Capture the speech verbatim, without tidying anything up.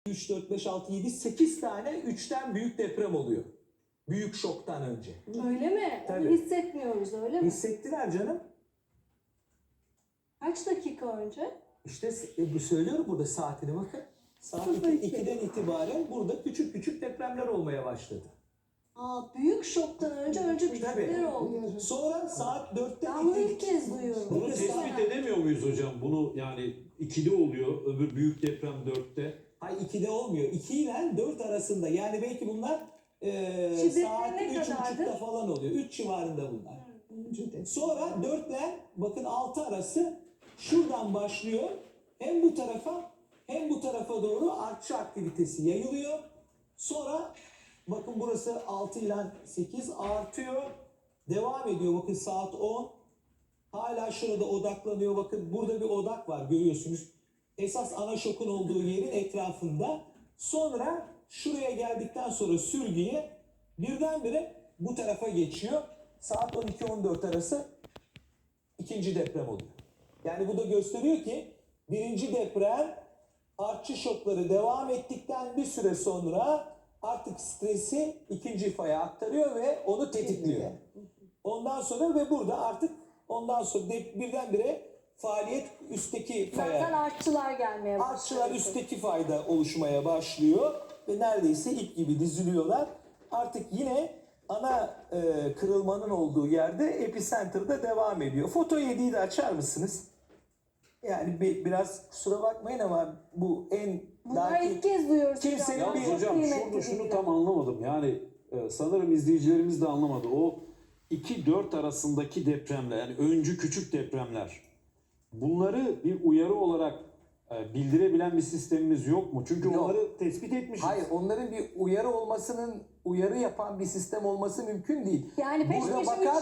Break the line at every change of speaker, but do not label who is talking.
üç, dört, beş, altı, yedi, sekiz tane üçten büyük deprem oluyor. Büyük şoktan önce.
Öyle mi?
Tabii.
Onu hissetmiyoruz öyle mi?
Hissettiler canım.
Kaç dakika önce?
İşte e, bu söylüyorum burada saatini bakın. Saat
Sıfır iki.
ikiden itibaren burada küçük küçük depremler olmaya başladı.
Aa, büyük şoktan önce önce küçükler oldu.
Sonra saat dörtte
Ben bunu ilk kez duyuyorum.
Bunu tespit edemiyor muyuz hocam? Bunu yani ikide oluyor, öbür büyük deprem dörtte.
Hayır ikide olmuyor. iki ile dört arasında. Yani belki bunlar e,
Şiddetleri
saat
ne
üç
kadardı?
buçukta falan oluyor. üç civarında bunlar. Sonra dört ile bakın altı arası şuradan başlıyor. Hem bu tarafa hem bu tarafa doğru artçı aktivitesi yayılıyor. Sonra bakın burası altı ile sekiz artıyor. Devam ediyor. Bakın saat on. Hala şurada odaklanıyor. Bakın burada bir odak var görüyorsunuz. Esas ana şokun olduğu yerin etrafında. Sonra şuraya geldikten sonra sürgüye birdenbire bu tarafa geçiyor. Saat on iki on dört arası ikinci deprem oluyor. Yani bu da gösteriyor ki birinci deprem artçı şokları devam ettikten bir süre sonra artık stresi ikinci faya aktarıyor ve onu tetikliyor. Ondan sonra ve burada artık ondan sonra de, birdenbire faaliyet üstteki
Zaten
faya,
artçılar gelmeye başladı.
artçılar üstteki fayda oluşmaya başlıyor ve neredeyse ip gibi diziliyorlar. Artık yine ana e, kırılmanın olduğu yerde epicenter'da devam ediyor. Foto yediyi de açar mısınız? Yani bir, biraz kusura bakmayın ama bu en
Bunları
belki
ilk kez duyuyoruz.
kimsenin
hocam.
bir-
Yalnız hocam
Kıymetli
şurada şunu
bilgiler.
tam anlamadım. Yani e, sanırım izleyicilerimiz de anlamadı. O iki dört arasındaki depremler, yani öncü küçük depremler. Bunları bir uyarı olarak e, bildirebilen bir sistemimiz yok mu? Çünkü
Yok.
onları tespit etmişiz.
Hayır, onların bir uyarı olmasının, uyarı yapan bir sistem olması mümkün değil.
Yani peş
Burada
peşe
bakar